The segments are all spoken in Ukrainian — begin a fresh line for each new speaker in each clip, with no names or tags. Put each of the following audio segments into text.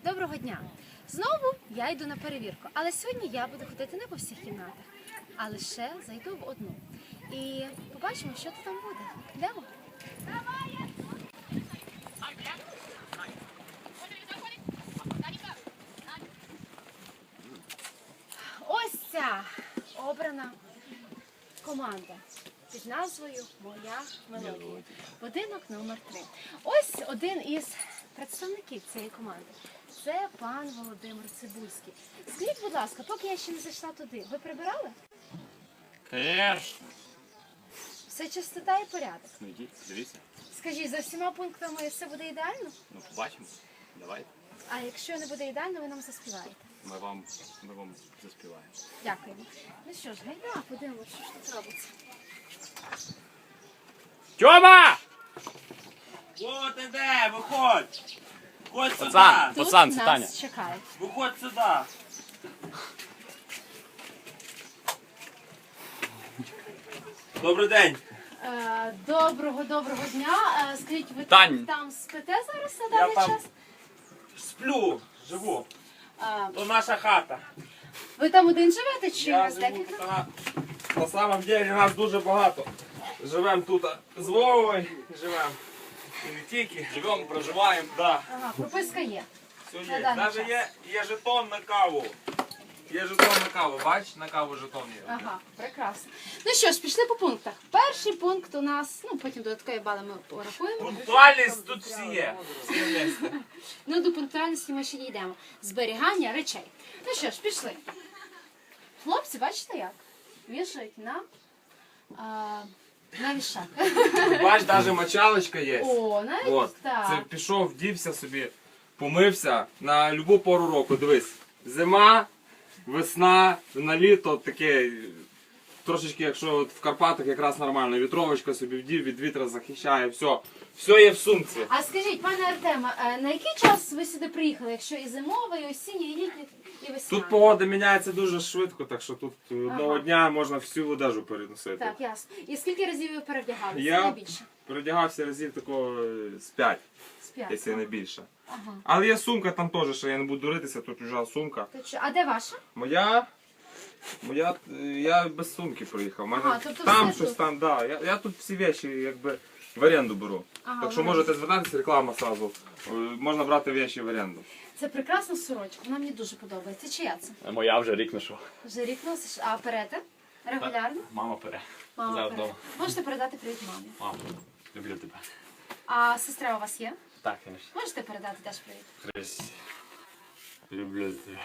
Доброго дня! Знову я йду на перевірку, але сьогодні я буду ходити не по всіх кімнатах, а лише зайду в одну. І побачимо, що там буде. Йдемо? Ось ця обрана команда під назвою «Моя мелодія». Будинок номер 3. Ось один із представників цієї команди. Це пан Володимир Цибульський. Скажіть, будь ласка, поки я ще не зайшла туди, ви прибирали?
Конечно.
Все чистота і порядок.
Ну йдіть, дивіться.
Скажіть, за всіма пунктами все буде ідеально?
Ну побачимо. Давайте.
А якщо не буде ідеально, ви нам заспіваєте.
Ми вам заспіваємо.
Дякуємо. Ну що ж, гайда, подивимося, що ж тут робиться.
Тьома!
О, ти де? Виходь! Виходь сюди!
Пацан!
Тут
Пацан, це
нас
Таня.
чекають.
Виходь сюди! Добрий день!
Доброго дня. Скажіть, ви
Тань.
там спите зараз на
Я
даний
там
час?
сплю, живу.
А,
То наша хата.
ви там один живете чи
Я
вас
живу
декілька?
тут. На самом деле нас дуже багато. Живемо тут з Вовою, живемо. І не тільки.
Живемо, проживаємо.
Да.
Ага, прописка є.
Все
На
є.
даний
Навіть
час.
є жетон на каву. Є жетон на каву, бач? На каву жетон є.
Ага, прекрасно. Ну що ж, пішли по пунктах. Перший пункт у нас, ну потім додаткові бали ми порахуємо.
Пунктуальність тут всі є. Всі на місці.
Ну, до пунктуальності ми ще дійдемо. Зберігання речей. Ну що ж, пішли. Хлопці, бачите як? Вішають на вішак.
Бач, навіть мочалочка є.
О, навіть
От,
так.
це пішов, вдівся собі, помився на любу пору року. Дивись, зима, весна, на літо таке, трошечки, якщо от в Карпатах якраз нормально, вітровочка собі вдів, від вітра захищає, все. Все є в сумці.
А скажіть, пане Артема, на який час ви сюди приїхали, якщо і зимовий, і осінній, і літній, і весняний?
Тут погода міняється дуже швидко, так що тут одного
Ага.
дня можна всю одежу переносити.
Так, ясно. І скільки разів ви перевдягалися?
Я
Найбільше?
передягався разів такого з 5,
З 5.
якщо не більше.
Ага.
Але є сумка там теж, що я не буду дуритися, тут чужа сумка.
А де ваша?
Моя, я без сумки приїхав. У мене
Ага, тобто
там
все
щось
тут.
там, да. Я тут всі речі якби в оренду беру.
Ага,
Так що
в
можете звертатися, реклама сразу. Можна брати речі в оренду.
Це прекрасна сорочка, вона мені дуже подобається. Чия це?
Моя вже рік ношу.
Вже рік носиш, а перете? Регулярно?
Мама пере.
Мама
Зараз
пере.
вдома.
Можете передати привіт мамі.
Мамо, люблю тебе.
А сестра у вас є?
Так, звісно.
Можете передати теж привіт?
Хрись. Люблю тебе.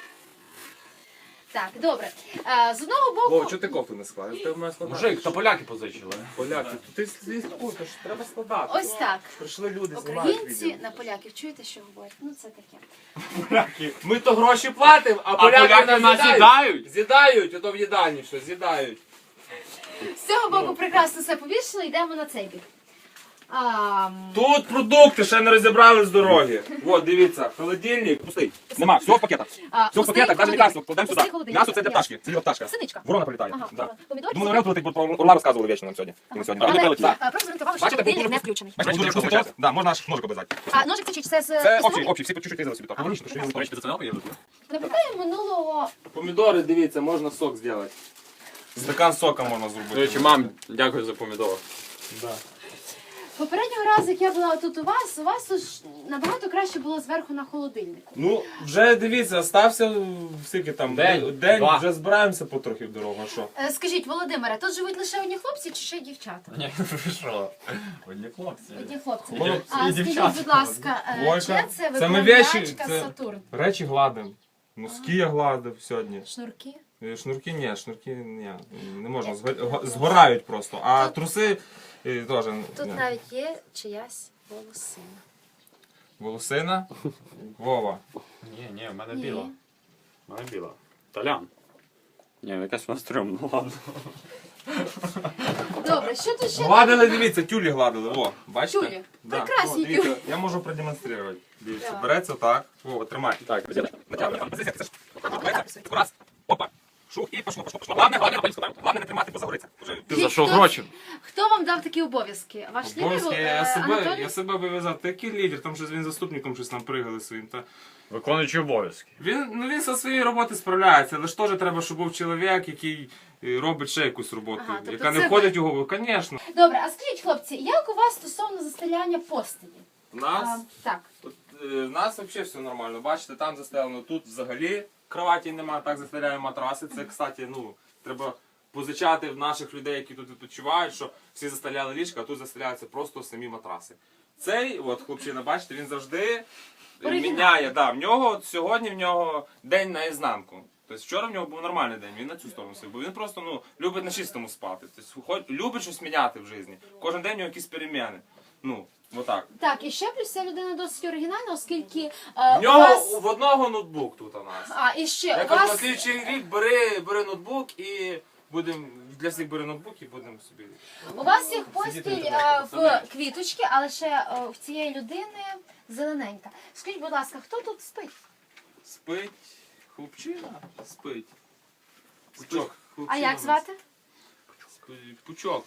Так, добре. З одного боку...
Вов, чого ти кофту не складаєш? Ти в мене складати.
Мужик, та поляки позичили.
Поляки, ти слідкуй, то ж треба складати.
Ось так.
Прийшли люди, знімають
Українці
відео.
на поляків. Чуєте, що говорять? Ну це таке.
Поляки. Ми то гроші платимо, а
поляки нас з'їдають?
З'їдають, ото в їдальні що, з'їдають.
З цього боку прекрасно все повішено, йдемо на цей бік.
Тут продукти ще не розібрали з дороги. От, дивіться, холодильник пустий. Нема, все в пакетах. Все в пакетах, навіть лекарство кладемо сюди. М'ясо це для пташки, це для пташка.
Синичка.
Ворона прилітає.
Ага,
Да.
помідорки.
Думаю, Орел прилетить, бо про Орла розказували вічно нам сьогодні. І не сьогодні. Але не прилетить.
Просто зорієнтували, що
Бачите,
холодильник не включений.
Бачите, дуже вкусно. Да, можна аж ножик обрізати.
А ножик це з
Це
пістолетів?
общий, всі по чуть-чуть різали собі так. Логічно, що
До речі, ти це не
Наприклад, минулого...
помідори, дивіться, можна сок зробити. Стакан сока можна
До
зробити.
речі, мам, дякую за помідор.
Да.
Попереднього разу, як я була тут у вас тут ж набагато краще було зверху на холодильнику.
Ну, вже дивіться, стався скільки там,
День,
день
два.
вже збираємося потрохи в дорогу, а що?
Скажіть, Володимире, тут живуть лише одні хлопці чи ще й дівчата?
Ні, ви що? Одні хлопці.
Одні хлопці.
Хлопці
А
і
скажіть,
дівчата.
будь ласка,
Войка,
чия це
це ми вещі,
виправлячка
це-
Сатурн?
Речі гладимо. Носки я гладив сьогодні.
Шнурки?
Шнурки ні, не можна, згорають просто. А труси теж.
Тут навіть є чиясь волосина.
Волосина? Вова.
Ні, в мене
Ні.
біла. В мене біла. Толян. Ні, якась вона стрьомна, ладно.
Добре, що тут ще?
Гладили, дивіться, тюлі гладили. О, бачите?
Тюлі? Прекрасні
О, дивіться,
тюлі.
я можу продемонструвати. Дивіться,
Давай.
береться так. Вова, тримай.
Так,
Раз. Опа. Шух і пошло. Главне не тримати, бо загориться.
Ти за що гроші?
Хто вам дав такі обов'язки? Ваш лідер Анатолій?
Я себе вив'язав. Такий лідер, там щось він заступником щось нам пригали своїм.
Виконуючий обов'язки.
Він зі своєї роботи справляється, але ж теж треба, щоб був чоловік, який робить ще якусь роботу,
Ага, тобто
яка
це
не входить у голову. Звісно.
Добре, а скажіть, хлопці, як у вас стосовно застеляння постелі?
У нас
Так.
У нас взагалі все нормально. Бачите, там застелено, тут взагалі кроваті немає, так застеляємо матраси. Це, кстати, треба позичати в наших людей, які тут відпочивають, що всі застеляли ліжка, а тут застеляються просто самі матраси. Цей, от, хлопчина, бачите, він завжди міняє. Да, сьогодні в нього день наізнанку. Тобто вчора в нього був нормальний день, він на цю сторону сів, бо він просто любить на чистому спати. Тобто, любить щось міняти в житті. Кожен день у нього якісь переміни. Отак.
Так, і ще плюс ця людина досить оригінальна, оскільки
В
у
нього
вас...
в одного ноутбук тут у нас.
А, і ще
Я
у
кажу, на
вас...
слідчий рік бери ноутбук і будемо для всіх бери ноутбук і будемо собі.
У вас є постіль
Сидіти
в квіточки, але ще в цієї людини зелененька. Скажіть, будь ласка, хто тут спить?
Спить хлопчина, спить. Пучок.
А як звати?
Спить. Пучок.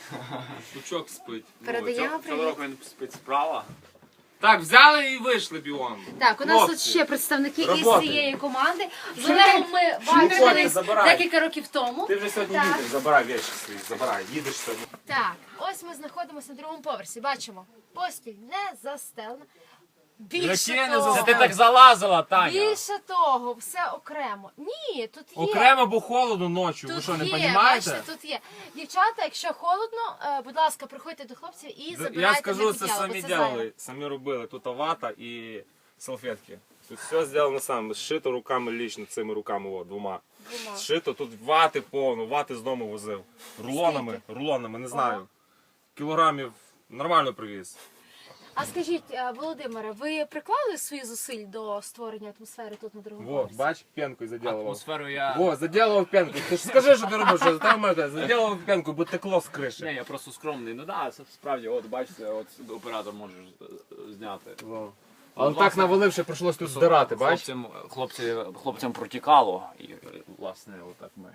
Пучок спить.
Передаємо
Цього
привіт.
року він спить справа.
Так, взяли і вийшли біон.
Так, у нас тут
Хлопці,
ще представники із
роботи.
цієї команди. З Олегом ми бачились
забирай.
декілька років тому.
Ти вже сьогодні
Так.
їдеш, забирай речі свої, забирай, їдеш сьогодні.
Так, ось ми знаходимося на другому поверсі. Бачимо, постіль не застелена. Більше
Яке не
того,
застелена?
Ти так залазила, Таня.
більше того, все окремо. Ні, тут є.
Окремо, бо холодно ночі, ви
Тут
що, не
є,
розумієте?
бачите, тут є. Дівчата, якщо холодно, будь ласка, приходьте до хлопців і забирайте
Я скажу,
для
це
під'яву,
самі
бо це зайве.
робили, самі робили. Тут вата і салфетки. Тут все зроблено саме, зшито руками лічно, цими руками, двома. Зшито, тут вати повно, вати з дому возив. Рулонами, не знаю. Кілограмів нормально привіз.
А скажіть, Володимире, ви приклали свої зусиль до створення атмосфери тут на другому
Во,
поверсі?
бач, пенкою заділував.
Атмосферу я...
Во, заділував пенкою. Ти ж скажи, що ти робиш, що там заділував пенкою, бо текло з криші.
Ні, я просто скромний. Ну так, це справді, от бачите, от оператор може зняти.
Але
власне,
так наваливши, прийшлось тут здирати, бач?
Хлопцям протікало, і власне отак ми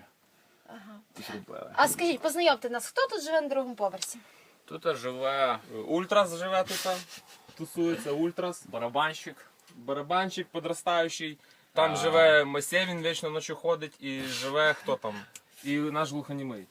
і зробили.
А скажіть, познайомте нас, хто тут живе на другому поверсі?
Тут живе
Ультрас живе тут, тусується Ультрас.
барабанщик.
Барабанчик подростаючий. Там живе Масей, він вічно ночі ходить, і живе хто там? І наш глухонімий.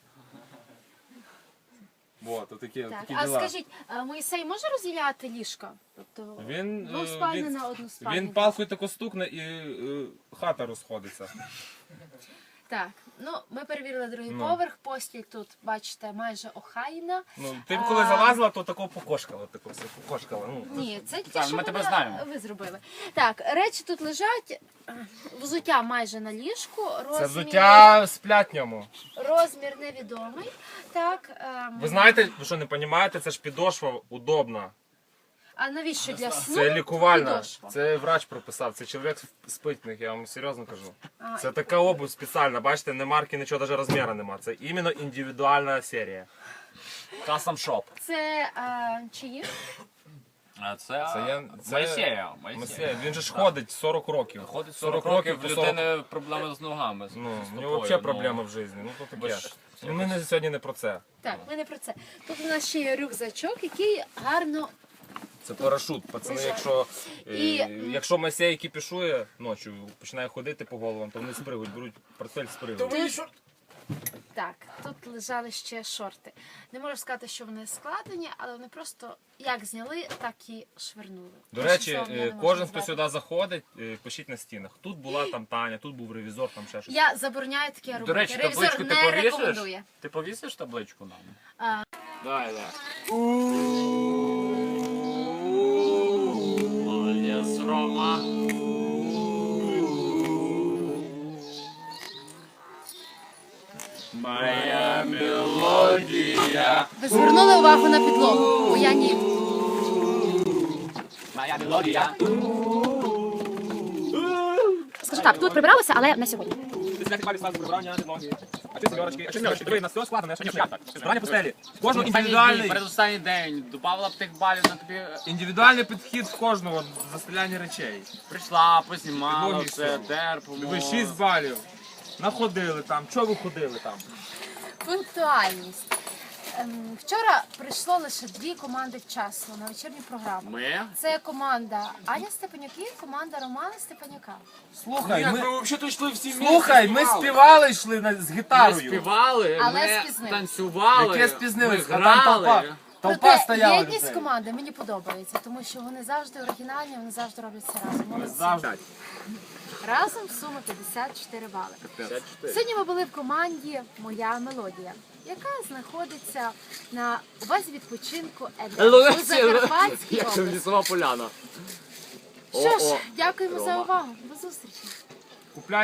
Вот, такі
Так,
такі
а
діла.
скажіть, Моїсей може розділяти ліжка? Тобто
Він,
двоспальне на односпальне?
він палкою тако стукне і хата розходиться.
Так, ну ми перевірили другий
Ну.
поверх, постіль тут, бачите, майже охайна.
Ти б коли залазила, то тако покошкала, тако все покошкала.
Ні, це тільки
Так,
що
ми тебе
ви-
знаємо.
ви зробили. Так, речі тут лежать, взуття майже на ліжку,
Це взуття сплять ньому.
розмір невідомий. Так,
Ви знаєте, ви що не розумієте, це ж підошва удобна.
а навіщо для сну?
Це лікувальна.
підошва?
Це врач прописав. Це чоловік спить в них, я вам серйозно кажу.
А,
Це така обувь спеціальна, бачите, не марки, нічого, навіть розміру нема. Це іменно індивідуальна серія.
Custom shop.
Це чиї?
А це
Моїсея.
Моїсея.
Він же ж ходить 40 років.
Ходить 40 років, в
то 40
людини проблеми з ногами. з
Ну, в
стопою,
нього взагалі проблеми в житті. Ну, то
ви
таке.
ж-
Ну, ми сьогодні не про це.
Так, ми не про це. Тут у нас ще є рюкзачок, який гарно.
Це парашут. Пацани,
Лежать.
якщо Масей кіпішує ночі, починає ходити по головам, то вони спригують, беруть портфель, спригують.
Так, тут лежали ще шорти. Не можу сказати, що вони складені, але вони просто як зняли, так і швернули.
До
Більше
речі,
слова я не можу
кожен, хто
назвати.
сюди заходить, пишіть на стінах. Тут була там Таня, тут був ревізор, там ще щось.
Я забороняю таке робити.
До речі,
Ревізор
табличку ти
не
повісиш?
рекомендує.
Ти повісиш табличку нам?
А.
Дай. Молодець, Рома. Моя мелодія.
Ви звернули увагу на підлогу, бо я ні.
Моя мелодія.
Скажу так, тут прибиралося, але не сьогодні.
Збирання постелі. Кожного
Індивідуальний. Передостанній день. Добавила б тих балів на тобі.
Індивідуальний підхід в кожного застеляння речей.
Прийшла, познімала,
Підлоги
все,
всього.
терпимо.
Ви 6 балів. Находили там. Чого ви ходили там?
Пунктуальність. Вчора прийшло лише 2 команди вчасно на вечірню програму.
Ми?
Це команда Аня Степанюк і команда Романа Степанюка.
Слухай, ми...
взагалі йшли всі
Слухай, ми співали, йшли з
Ми
гітарою.
співали,
Але
ми
спізнились.
танцювали,
Яке спізнились?
ми
А там толпа.
грали.
Толпа
Проте
стояла
єдність
людей.
команди мені подобається, тому що вони завжди оригінальні, вони завжди роблять це разом. Молодці.
Завжди.
Разом сума 54 бали. Сьогодні ми були в команді Моя мелодія, яка знаходиться на у базі відпочинку Едем у Закарпатській
Як це
області.
лісова поляна.
Що ж,
О-о.
дякуємо за
Рома.
увагу. До зустрічі.
Купляй